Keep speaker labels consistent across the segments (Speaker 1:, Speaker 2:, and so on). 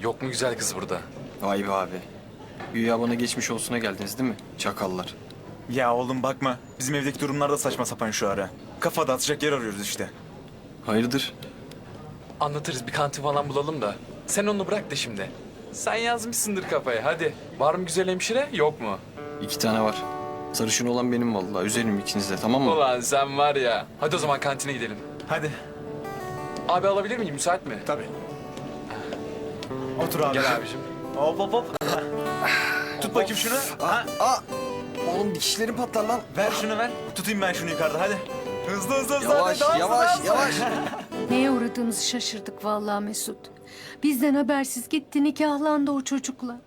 Speaker 1: Yok mu güzel kız burada?
Speaker 2: Vay be abi. Güya bana geçmiş olsuna geldiniz değil mi? Çakallar.
Speaker 3: Ya oğlum bakma. Bizim evdeki durumlar da saçma sapan şu ara. Kafa dağıtacak yer arıyoruz işte.
Speaker 2: Hayırdır?
Speaker 1: Anlatırız, bir kantin falan bulalım da. Sen onu bırak da şimdi. Sen yazmışsındır kafaya, hadi. Var mı güzel hemşire, yok mu?
Speaker 2: 2 tane var. Sarışın olan benim vallahi. Üzerim ikiniz de, tamam mı?
Speaker 1: Ulan sen var ya. Hadi o zaman kantine gidelim.
Speaker 3: Hadi.
Speaker 1: Abi alabilir miyim, müsait mi?
Speaker 3: Tabii. Otur abi.
Speaker 1: Gel abicim.
Speaker 3: Hop hop hop. Tut bakayım şunu. Ha,
Speaker 2: Oğlum dikişlerim patlar lan.
Speaker 3: ver şunu ver. Tutayım ben şunu yukarıda hadi. Hızlı hızlı hızlı.
Speaker 2: Yavaş,
Speaker 3: hadi, daha hızlı,
Speaker 2: yavaş,
Speaker 3: daha hızlı.
Speaker 2: yavaş.
Speaker 4: Neye uğradığımızı şaşırdık vallahi Mesut. Bizden habersiz gitti, nikahlandı o çocukla.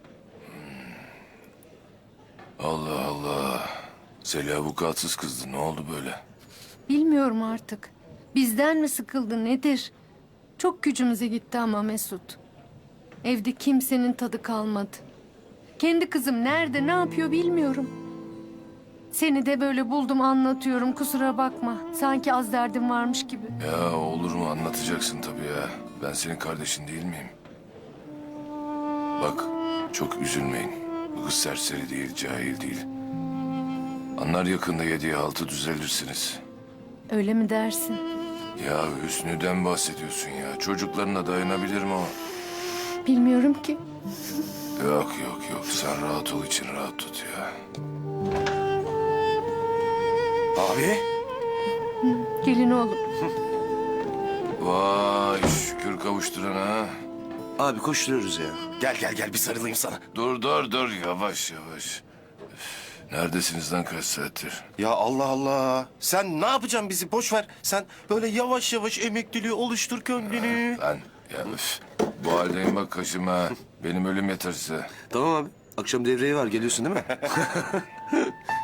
Speaker 5: Allah Allah. Zeliha vukuatsız kızdı. Ne oldu böyle?
Speaker 4: Bilmiyorum artık. Bizden mi sıkıldı nedir? Çok gücümüze gitti ama Mesut. Evde kimsenin tadı kalmadı. Kendi kızım nerede, ne yapıyor bilmiyorum. Seni de böyle buldum anlatıyorum, kusura bakma. Sanki az derdim varmış gibi.
Speaker 5: Ya olur mu, anlatacaksın tabii ya. Ben senin kardeşin değil miyim? Bak, çok üzülmeyin. Bu kız serseri değil, cahil değil. Anlar yakında 7'ye 6 düzelirsiniz.
Speaker 4: Öyle mi dersin?
Speaker 5: Ya Hüsnü'den bahsediyorsun ya. Çocuklarına dayanabilir mi o?
Speaker 4: Bilmiyorum ki.
Speaker 5: Yok yok yok. Sen rahat ol, için rahat tut ya.
Speaker 6: Abi.
Speaker 4: Gelin oğlum.
Speaker 5: Vay şükür kavuşturana ha.
Speaker 6: Abi koşturuyoruz ya. Gel gel gel bir sarılayım sana.
Speaker 5: Dur yavaş yavaş. Üf, neredesiniz lan kaç saattir?
Speaker 6: Ya Allah Allah. Sen ne yapacaksın bizi? Boş ver. Sen böyle yavaş yavaş emekliliği oluştur kendini.
Speaker 5: Ben ya üf, bu haldeyim bak kaşıma. Benim ölüm yeter size.
Speaker 6: Tamam abi. Akşam devreye var. Geliyorsun değil mi?